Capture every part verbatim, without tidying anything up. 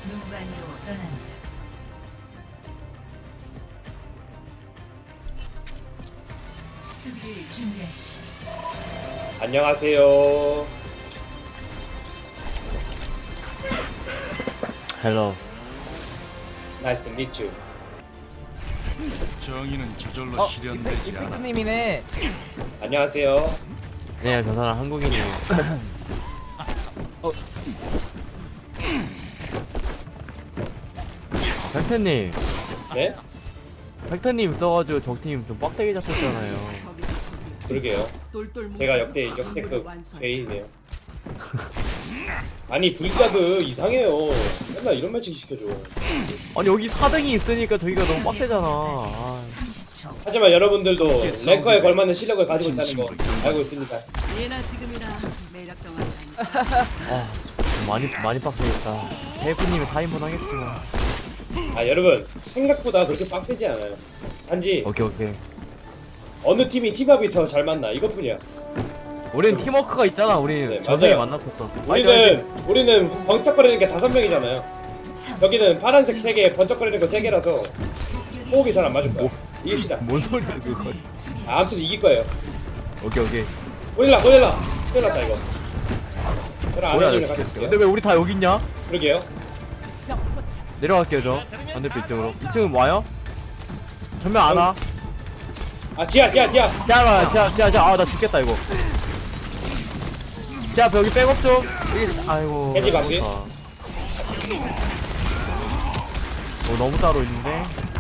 눈반이로 떠납니다. 수비를 준비하십시오. 안녕하세요. 헬로. Nice to meet you. 정의는 저절로 어, 실현되지 않아. 이펙트님이네. 안녕하세요. 네, 저 사람 한국인이에요. 어. 팩트님, 네? 팩트님 써가지고 적팀 좀 빡세게 잡혔잖아요. 그러게요. 제가 역대 역대급 죄인이네요. 아니 불가드 이상해요. 맨날 이런 매칭 시켜줘. 아니 여기 사 등이 있으니까 저기가 너무 빡세잖아. 아, 삼십 초. 하지만 여러분들도 랭커에 걸맞는 실력을 가지고 있다는 거 알고 있습니다. 예나 지금이나 매력 동안 아 좀 많이 많이 빡세겠다. 페이프님이 사 인분 하겠지만. 아 여러분 생각보다 그렇게 빡세지 않아요. 단지 오케이 오케이. 어느 팀이 팀합이 더 잘 맞나 이것뿐이야. 우린 팀워크가 있잖아. 우리 네, 저녁에 맞아요. 만났었어. 우리는 우리는 번쩍거리는 게 다섯 명이잖아요. 여기는 파란색 세 개, 번쩍거리는 거 세 개라서 호흡이 잘 안 맞을 거야. 이깁시다. 뭔 소리야 그건. 아, 아무튼 이길 거예요. 오케이 오케이. 고릴라, 고릴라, 큰일 났다 이거. 저랑 뭐야 아내님을 나 같이 죽겠어. 있을게요. 근데 왜 우리 다 여기 있냐? 그러게요. 내려갈게요 저 반대편 이쪽으로. 이 층은 와요? 전면 안 와. 아, 지하, 지하, 지하. 자, 자, 자, 자, 아, 나 죽겠다 이거. 자, 여기 백업 좀. 여기, 아이고. 돼지 나 바퀴? 죽었다. 어, 너무 따로 있는데.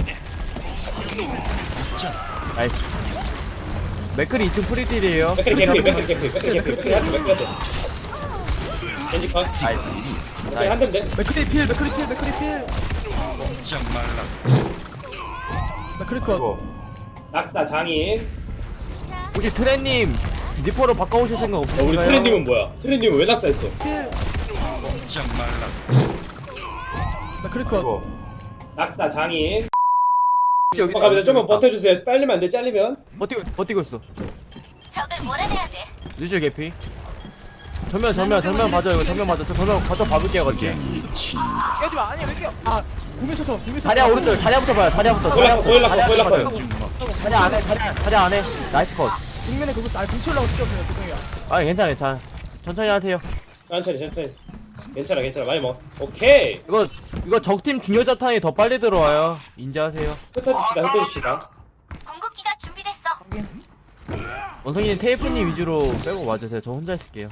나이스. 맥클이 이 층 프리딜이에요. 백크리 개피, 백크리 개피, 백크리 개피, 백크리 한대, 백크리 한대. 겐지 컷. 나이스. 백크리 한 대인데. 맥크리 필, 맥크리 필, 맥크리 필. 꼼짝 말라. 맥크리 컷. 낙사 장인. 혹시 트렌님 니퍼로 바꿔오실 생각 어, 없으신가요? 우리 트렌님은 뭐야? 트렌님은 왜 낙사했어? 꼼짝 말라. 맥크리 컷. 낙사 장인. 여기 어, 갑니다. 좀만 버텨주세요. 빨리면 안 돼, 잘리면. 버티고, 버티고 있어. 적을 몰아내야 돼. 뉴질 개피. 전면, 전면, 전면 봐줘. 이거 전면 봐줘. 저 전면 가서 봐볼게요, 같이. 깨지 마. 아니야, 왜 깨? 아, 공에 쳤어. 공에 쳤어. 다리야, 오른쪽. 다리야부터 봐요. 다리야부터. 보일라커, 보일라커, 다리야 보일라커요. 봐요. 다리 안에, 다리, 다리 안에. 나이스 컷. 국면에 그거 아, 공치려고 찍었어요. 죄송해요. 아, 괜찮아, 괜찮아. 천천히 하세요. 천천히, 천천히. 괜찮아, 괜찮아. 많이 먹었어. 오케이. 이거, 이거 적팀 중요 자탄이 더 빨리 들어와요. 인지하세요. 흩어집시다, 흩어집시다. 궁극기가 준비됐어. 원성이는 테이프님 위주로 빼고 와주세요. 저 혼자 있을게요.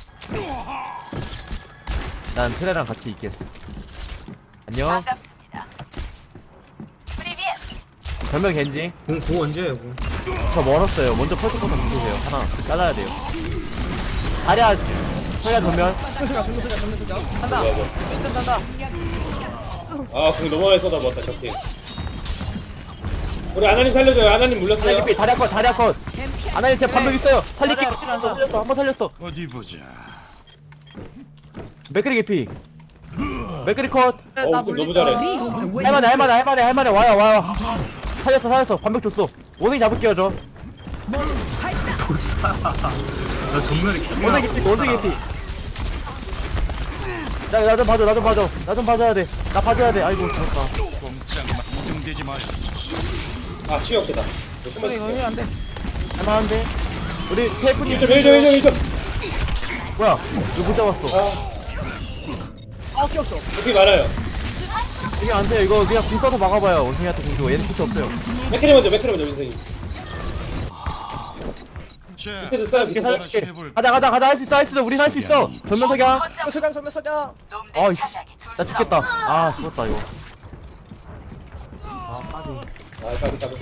난 트레랑 같이 있겠어. 안녕. 반갑습니다. 프리비에 전면 겐지. 공, 공 언제예요, 공? 저 멀었어요. 먼저 펄스커서 누르세요. 하나 잘라야 돼요. 다리야, 서야 전면. 정면 소자, 정면 소자, 정면 소자. 간다. 뭐야, 뭐. 일단 간다. 아, 그거 너무 많이 쏟아부었다, 저 팀. 우리 아나님 살려줘요. 아나님 물렸어요. 다리야 다리야 컷, 다리야 컷. 아나님 제 반복 있어요. 살릴게. 다리야, 다리야. 살렸어, 한번 살렸어. 어디 보자. 맥크리 개피. 맥크리 컷. 어, 그 너무 잘해. 할만해, 할만해, 할만해, 할만해. 와요, 와요. 살렸어, 살렸어. 반복 줬어. 원숭이 잡을게요, 저. 나 정면에 기 원숭이 개피, 원숭이 개피. 나, 나 좀 봐줘, 나 좀 봐줘. 나 좀 봐줘야 돼. 나 봐줘야 돼. 아이고, 죽었다. 꼼짝 마. 걱정되지 마요. 아, 취역되다. 이거 이거 이거 안 돼. 할만한데? 우리 테이프님. 일 점, 일 점, 일 점, 일 점. 뭐야? 이거 못 잡았어. 아, 끼었어. 여기 많아요. 이게 안 돼요. 이거 그냥 궁 써서 막아봐요. 원숭이한테 궁 주고. 얘는 피치 없어요. 맥크리 먼저, 맥크리 먼저, 민성이. 자, 밑에도 써요, 이렇게 밑에도. 살려줄게. 가자, 가자, 가자. 할 수 있어, 할 수 있어. 우린 할 수 있어. 전면 석양. 소장, 정면 소장. 아이씨. 나 죽겠다. 아, 죽었다, 이거. 아, 빠지. 아, 가비, 가비.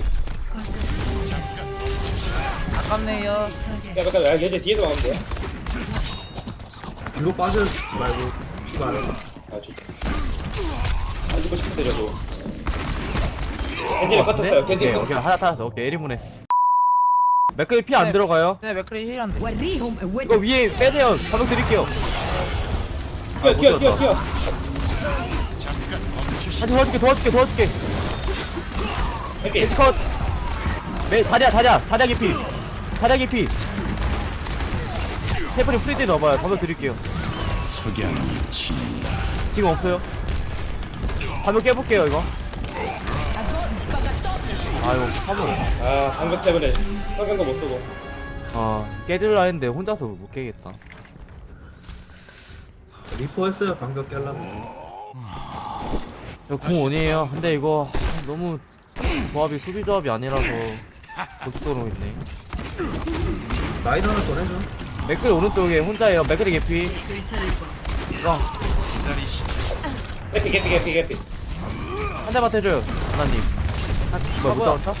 아깝네요. 야, 잠깐, 야, 얘들 뒤에도 막으면 돼요. 뒤로 빠져주지 말고 죽지 말아요. 아, 죽. 안 죽고 싶은데, 저도. 겐지를 컷했어요, 오케이, 겐지를 오케이. 컷했어. 하나 타서. 오케이, 일 인분 했어. 맥클이 피 안 네. 들어가요. 네, 맥크리 힐 안 돼. 이거 위에 빼세요. 가격 드릴게요. 뛰어, 뛰어, 뛰어, 뛰어. 다시 도와줄게, 도와줄게, 도와줄게. 겐지. 컷. 네, 다리야, 다리야. 다리야 깊이. 다리야 깊이. 테이프님 프리드 넣어봐요. 가격 드릴게요. 석양이 친다. 지금 없어요. 화면 깨볼게요 이거. 아유 화면. 아 방금 때문에 성경도 못 쓰고. 아 깨질라 했는데 혼자서 못 깨겠다. 리포 했어요 방금 깨려면. 이거 궁 원이에요. 근데 이거 너무 조합이 수비 조합이 아니라서 고속도로 있네. 라인 하나 더 해줘. 맥클이 오른쪽에 혼자예요. 맥클이 개피. 괜찮을 거. 이거 기다리시. 개피 개피 개피 개피. 한 대만 해줘요 하나님. 뭐야 못 잡았다?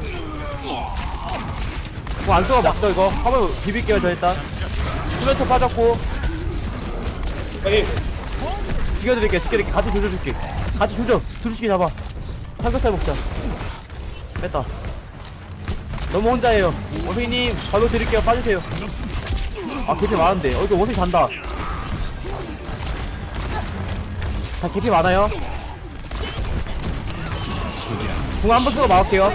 뭐안 쓰고 막죠 이거. 한번 비빌게요 저 일단. 수면초 빠졌고 여기 죽여드릴게 죽여드릴게. 같이 조져줄게. 같이 조져. 두루치기 잡아. 삼겹살 먹자. 뺐다. 너무 혼자예요. 원숭이님 발로 드릴게요. 빠지세요. 아 개피 많은데. 어 이거 원숭이 잔다. 자 개피 많아요. 궁 한 번 쓰고 막을게요.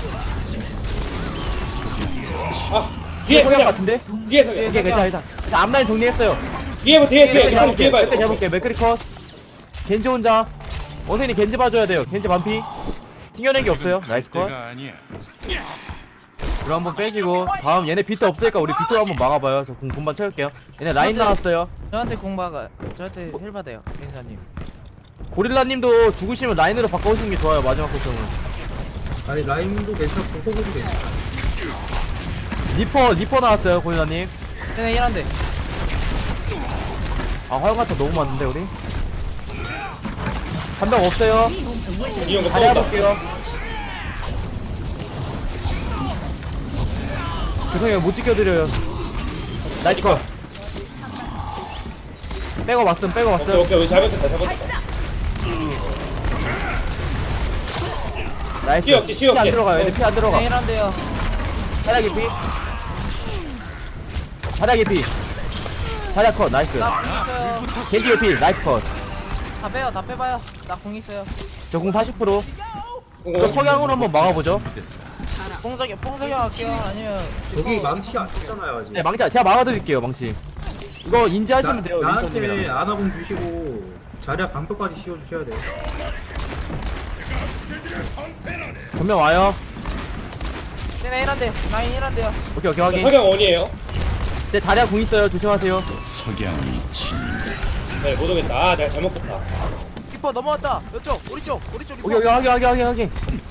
아 뒤에 성향 그냥 같은데? 뒤에 이게 성경. 괜찮아 괜찮아. 자 앞라인 정리했어요. 뒤에 뭐 뒤에 뒤에 맥크리 뒤에 잡을게. 뒤에 봐요. 맥크리 잡을게. 맥크리 컷. 겐지 혼자. 원숭이 겐지 봐줘야 돼요. 겐지 반피. 튕겨낸 게 없어요. 나이스 컷. 내가 아니야. 그럼 한번 빼시고 다음 얘네 비트 없으니까 우리 비트로 한번 막아봐요. 저 공 금방 채울게요. 얘네 라인 나왔어요. 저한테 공박아 저한테 힐 받아요 갱사님. 고릴라님도 죽으시면 라인으로 바꿔오시는 게 좋아요. 마지막 고점은. 아니 라인도 괜찮고 호구도 괜찮아. 리퍼 리퍼 나왔어요 고릴라님. 쟤네 힐한데. 아 화용가타 너무 많은데 우리. 한명 없어요. 이런 거 다리 써온다. 해볼게요. 죄송해요 못 지켜드려요. 나이스 컷. 빼고 왔음 빼고 오케이 왔음. 오케이 우리 잘못했다 잘못했다. 나이스. 피 없지, 피 피 안 없지. 들어가요. 얘네 피 안 들어가. 쟤네 힐한데요. 바닥이 피. 바닥이 피. 바닥 컷 나이스. 나궁 있어요. 겐지의 피 나이스 컷. 다 빼요 다 빼봐요. 나 궁 있어요. 저공 사십 퍼센트. 저 석양으로 한번 막아보죠. 뽕석이 뽕석이 할게요. 아니면 저기 망치 안 썼잖아요 아직. 네 망치 제가 막아드릴게요 망치. 이거 인지하시면 나, 돼요. 나한테 윈스턴님이랑. 아나공 주시고 자리야 방벽까지 씌워주셔야 돼요. 전면 와요. 쟤네 힐한데 라인 힐한데요. 오케이 오케이 확인. 석양 원이에요. 제 다리아 궁 있어요. 조심하세요. 석양이 친. 네 못 오겠다. 아 내가 잘못 봤다. 리퍼 넘어왔다. 이쪽 우리 쪽 우리 쪽 리퍼. 오케이 오케이 확인 확인 확인 확인.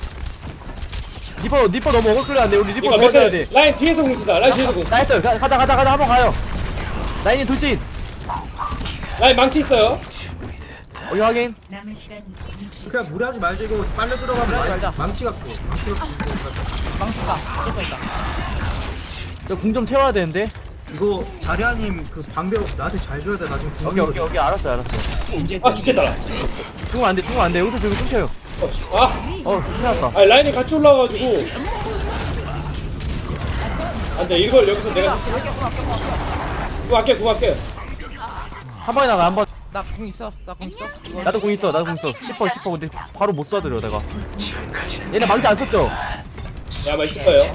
리퍼 리퍼 너무 어글끌려 안돼. 우리 리퍼 이거 도와줘야 돼. 맥 라인 뒤에서 공수다. 라인 뒤에서 공. 나이스. 가, 가자 가자 가자 한번 가요. 라인이 돌진. 라인 망치 있어요. 오케이 확인. 남은 시간 육십. 그냥 무리하지 말죠. 이거 빨려 들어가면 무리하지 망- 말자. 망치가 또 망치가 또 망치다. 무조건 있다. 저 궁 좀 채워야 되는데. 이거 자리아님 그 방벽 나한테 잘 줘야 돼. 나 지금 오케이 오케이 궁이거든. 오케이 알았어 알았어. 아 죽겠다. 나. 죽으면 안돼 죽으면 안돼. 여기서 저기 끊겨요. 어, 씨. 아 어 큰일 났다. 아니 라인이 같이 올라와가지고. 안돼 이걸 여기서 내가 그거 할게 그거 할게. 한 번에 나가 한 번. 나 궁 있어. 나 궁 있어. 이거 나도 궁 있어 나도 궁 있어. 십 퍼센트 십 퍼센트 근데 바로 못 쏴드려 내가. 얘네 망치 안 썼죠? 야 맛있을 거예요.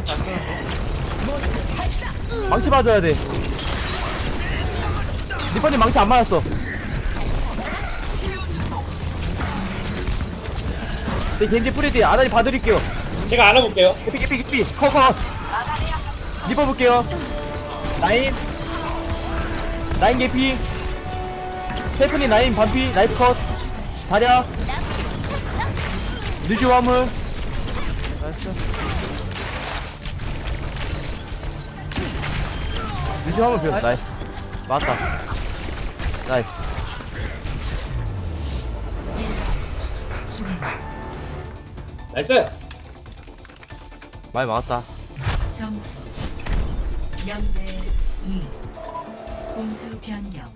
망치 봐줘야 돼. 리퍼님 망치 안 맞았어. 네 겐지 프리디 아다리 봐드릴게요. 제가 안아볼게요. 개피 개피 개피 커커. 리퍼 볼게요. 라인 라인 개피. 스테프니 라인 반피 나이스 컷. 다리야 뉴즈 화물. 나이스. 뉴즈 화물 비었어. 나이스 맞다. 나이스. 나이스. 많이 막았다. 점수 영 대 이. 공수 변경.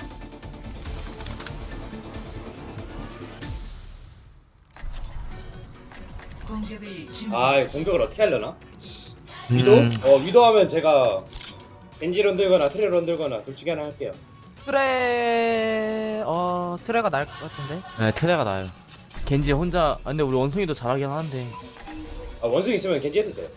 공격을 준비. 아 공격을 어떻게 하려나? 위도? 음. 어 위도 하면 제가 겐지런 들거나 트레런 들거나 둘 중에 하나 할게요. 트레 어 트레가 나을 것 같은데. 네 테레가 나요. 겐지 혼자 아, 근데 우리 원숭이도 잘하긴 하는데. 아 원숭이 있으면 겐지 해도 돼요.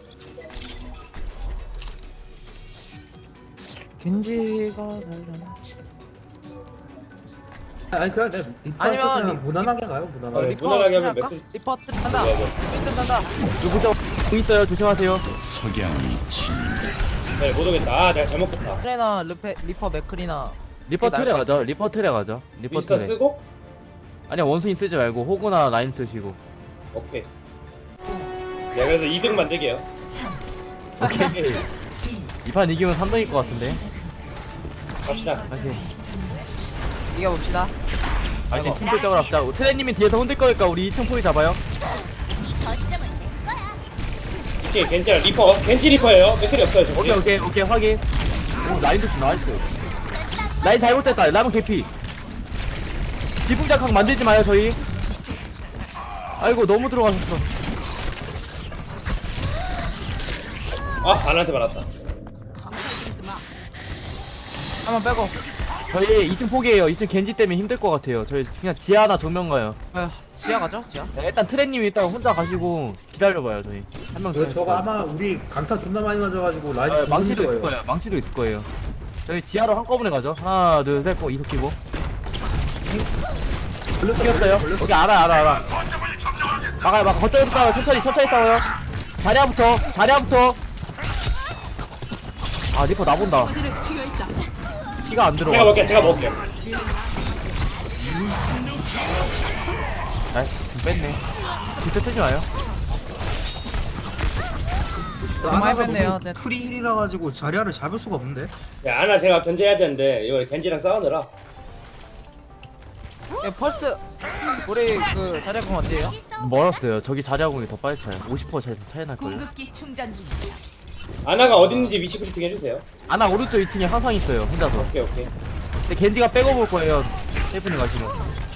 겐지가 나려나. 아니 그냥 내 리퍼 아니면 그냥 리- 무난하게 가요 무난하게. 어, 리퍼 무난하게 하면 할까? 맥주- 리퍼 뜬다. 뭐야, 뭐. 리퍼 뜬다. 누구죠? 공 있어요. 조심하세요. 석양이 친다. 네, 못 오겠다. 아, 내가 잘못 봤다. 트레나 르페 리퍼 맥크리나. 리퍼 그게 틀에 나을 가죠. 리퍼 틀에 가죠. 리퍼 미스터 틀에. 쓰고? 아니야 원숭이 쓰지 말고 호구나 라인 쓰시고. 오케이. 네, 그래서 이 등 만들게요. 삼, 오케이. 이 판 이기면 삼 등일 것 같은데. 갑시다. 다시. 이겨봅시다. 아니 팀플적으로 합자. 트레님이 뒤에서 흔들 거니까 우리 이 층 포위 잡아요. 이 층에 겐지랑 리퍼. 겐지 리퍼예요. 맥클이 없어요, 저기. 오케이 오케이 오케이 확인. 오 라인 조심 나이스. 라인 잘못됐다. 라면 개피. 지붕작각 만들지 마요 저희. 아이고 너무 들어가셨어. 아, 반한테 맞았다. 한번 빼고. 저희 이 층 포기해요. 이 층 겐지 때문에 힘들 것 같아요. 저희 그냥 지하나 정면 가요. 아, 지하 가죠 지하. 네, 일단 트레님이 일단 혼자 가시고 기다려봐요 저희. 한명 이거 저거 아마 우리 강타 존나 많이 맞아가지고 라인 아, 죽는 망치도 있을 거예요. 거예요. 망치도 있을 거예요. 저희 지하로 한꺼번에 가죠. 하나, 둘, 셋, 고 이속 키고. 걸렸어 뛰었어요. 걸렸어. 오케이, 알아, 알아, 알아. 막아요, 막 거점에서 싸워요. 천천히, 천천히 싸워요. 자리야부터, 자리야부터. 아, 리퍼 나본다. 어디를 튀어 있다. 피가 안 제가 들어가. 먹게, 제가 먹게. 아, 뺐네. 진짜 뜨지 마요. 너무 많이 뺐네요. 이제. 프리 힐이라 가지고 자리아를 잡을 수가 없는데. 네, 아나 제가 견제해야 되는데, 이거 겐지랑 싸우느라. 예, 펄스 우리 그 자리공 어때요? 멀었어요. 저기 자리야공이 더 빨리 차요. 오십 퍼센트 차이, 차이 날걸요. 공급기 충전 중이다. 아나가 어디 있는지 위치 브리핑 해주세요. 아나 오른쪽 이 층에 항상 있어요. 혼자서. 오케이, 오케이. 근데 겐지가 빼고 볼 거예요. 세이프님 가시면.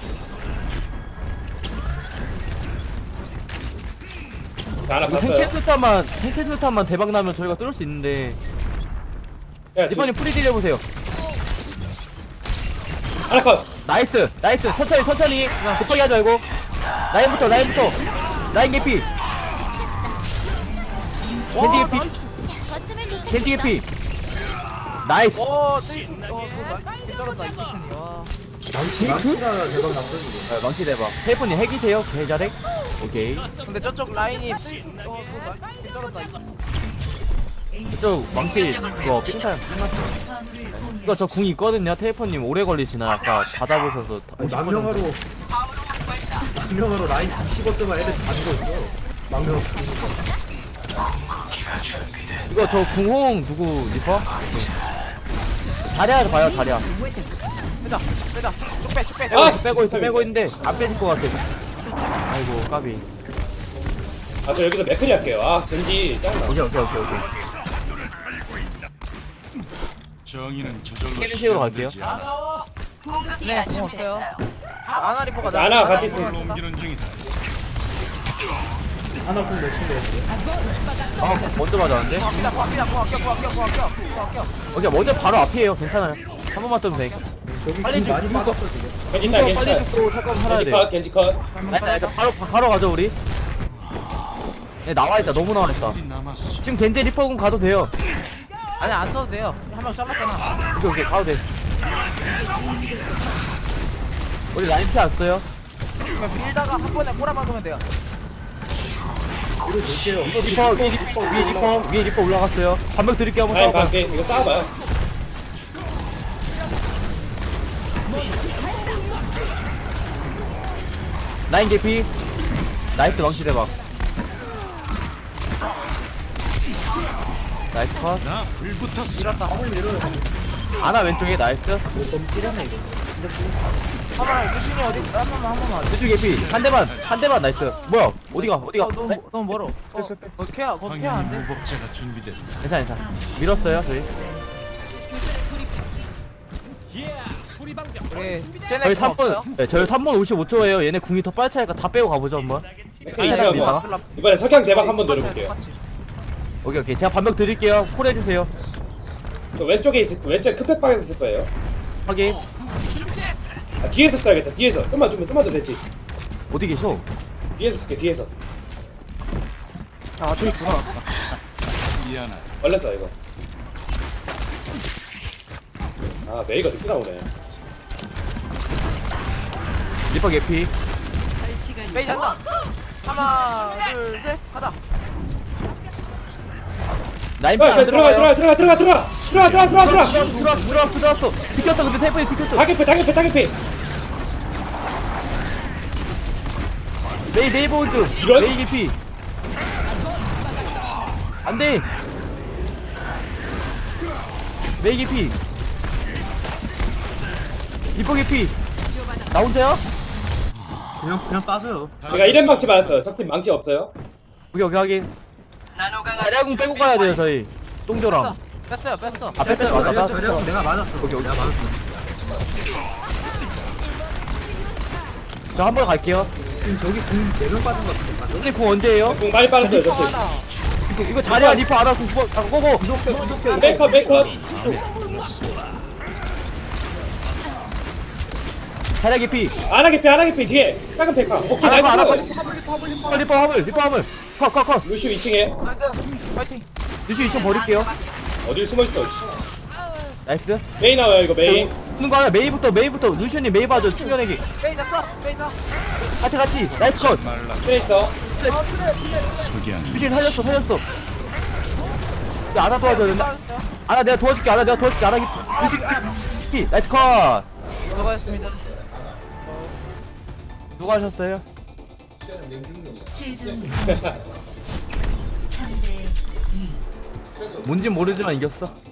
자, 아나 이거 봤어요. 탱캐스탄만 탱캐스탄만 대박 나면 저희가 뚫을 수 있는데 야, 이번에 프리딜 해보세요. 아나 컷! 나이스 나이스 천천히 천천히 급하게 하지 말고 라인부터 라인부터 라인 개피 겐지 개피 겐지 개피 나이스. 오, 뜨. 어, 그거 떨었다 이 키튼이. 와. 망치 망치가 대박 났어 지금. 아, 망치 대박. 테이프님 핵이세요? 개잘핵? 오케이. 근데 저쪽 라인이. 어, 그거 떨었다. 그쪽 망치 그거 삥살 이거 저 궁 있거든요. 테이프님 오래 걸리시나 아까 받아보셔서 아니, 망명하로 망명하로 라인 이십오 대만 애들 다 죽어 있어. 망명. 이거 저 궁홍 누구 리퍼? 자리야 봐요 자리야. 빼자, 빼자. 쭉 빼, 쭉 빼. 빼고 아! 있어 빼고 있어 빼고 있는데 안 빼질 것 같아. 아이고 까비. 아, 저 여기서 맥클이 할게요. 아, 겐지 짱나. 오케이 오케이 오케이 오케이. 정의는 저절로 캐리식으로 갈게요. 실현되지 않아. 네, 공 없어요. 아나 리퍼가 나. 아나 같이 리퍼가 있으면 쏜다. 옮기는 중이다. 하나 공 몇인데. 아 먼저 맞았는데? 고압니다, 고압니다, 고압, 고압, 고압, 고압, 고압, 고압, 고압. 오케이 먼저 바로 앞이에요. 괜찮아요. 한 번만 뜨면 돼. 저기 빨리 공 많이 죽을 빠졌어 지금. 겐지 이거 딸, 겐지 빨리 딸. 죽고 잠깐 살아야 겐지 돼. 컷, 겐지 컷. 아니 아니 바로 바로 가죠 우리. 네 나와있다. 너무 나와있다. 우리 남았어. 지금 겐제 리퍼군 가도 돼요. 아니 안 써도 돼요. 한 명 잘랐잖아. 오케이 오케이 가도 돼. 우리 라인 피 안 써요. 그냥 밀다가 한 번에 꼬라박으면 돼요. 이거 볼게요. 이거 리퍼 위에 리퍼 위에 리퍼 위에 리퍼 올라갔어요. 반박 드릴게요 한번 라인 싸워봐. 갈게. 이거 싸워봐요. 라인 개피. 나이스 망치 대박. 나이스 컷. 나 불붙었어. 밀었다. 아나 왼쪽에 나이스. 너무 찌렸네 이거. 한번 주신이 어디? 한 번만 한 번만. 왼쪽 개피. 한 대만 한 대만 나이스. 뭐야 어디가 어디가? 어, 너무 너무 멀어. 어, 어 케어, 거 케어 안 황야의 돼? 무법자가 준비됐다. 괜찮아 괜찮아. 밀었어요 저희. 우리 저희 쟤네 삼 분. 없어요? 네 저희 삼 분 오십오 초예요. 얘네 궁이 더 빨리 차니까 다 빼고 가보죠 한번. 맥클이 아니, 제가 아니, 뭐. 아니. 이번에 석양 대박 한번 노려볼게요. 똑같이. 오케이 오케이 제가 반박 드릴게요. 콜 해주세요. 저 왼쪽에 있을, 왼쪽 크팩방에서 쓸 거예요. 확인. 아, 뒤에서 써야겠다. 뒤에서. 좀만 좀, 좀만 더 됐지. 어디 계셔? 뒤에서 쓸게, 뒤에서. 아 저기 있구나. 미안하다. 걸렸어, 이거. 아, 메이가 늦게 나오네. 리퍼 개피. 메이 잔다. 하나, 둘, 셋, 가다. 라인 야, 안 들어가 들어가요. 들어가 들어가 들어가 들어가 들어가 들어가 들어가 들어가 들어왔어 들어왔어 들어왔어. 비켰어 근데 테이프에 비켰어. 다개피 다개피 다개피 메이 메이 보드. 이런? 메이 개피. 안돼. 메이 개피. 리퍼 개피. 나 혼자야? 그냥 그냥 빠져요. 제가 이렘 망치 받았어요. 적팀 망치 없어요. 오케이 오케이 확인. 자리아궁 빼고 가야 돼요 저희. 똥조랑. 뺐어요, 뺐어. 아 뺐어 맞다 자리야, 뺐어. 자리야, 내가 맞았어. 내가 맞았어. 저 한 번 갈게요. 지금 저기 궁네명 빠진 것 같아. 맞아? 선생님 궁 언제예요? 공 많이 빨았어요. 리퍼 적팀. 하나. 이거, 이거 자리야 리퍼 알아 궁 구워 아 고고. 메이컷 메이컷 자리야 개피. 안하게피 안하게피 뒤에 작은 페카. 오케이 안 아파 안 아파. 나이스. 리퍼 리퍼 화물 리퍼 화물. 컷컷컷. 루시우 이 층에 나이스. 파이팅. 루시 이층 버릴게요. 어딜 숨어있어. 씨. 나이스. 메이 나와요 이거 메이. 오는 거 하나 메이부터 메이부터 루시님 메이 봐줘 충전해기. 메이 잤어. 메이 자. 같이 같이 나이스 컷. 트레이서 석양. 루시 살렸어 살렸어. 야 아나 도와줘야 된다. 아나 내가 도와줄게 아나 내가 도와줄게 아나 루시 루시 나이스 컷. 수고하셨습니다. 누가 하셨어요? 최종 삼 대 이. 뭔진 모르지만 이겼어.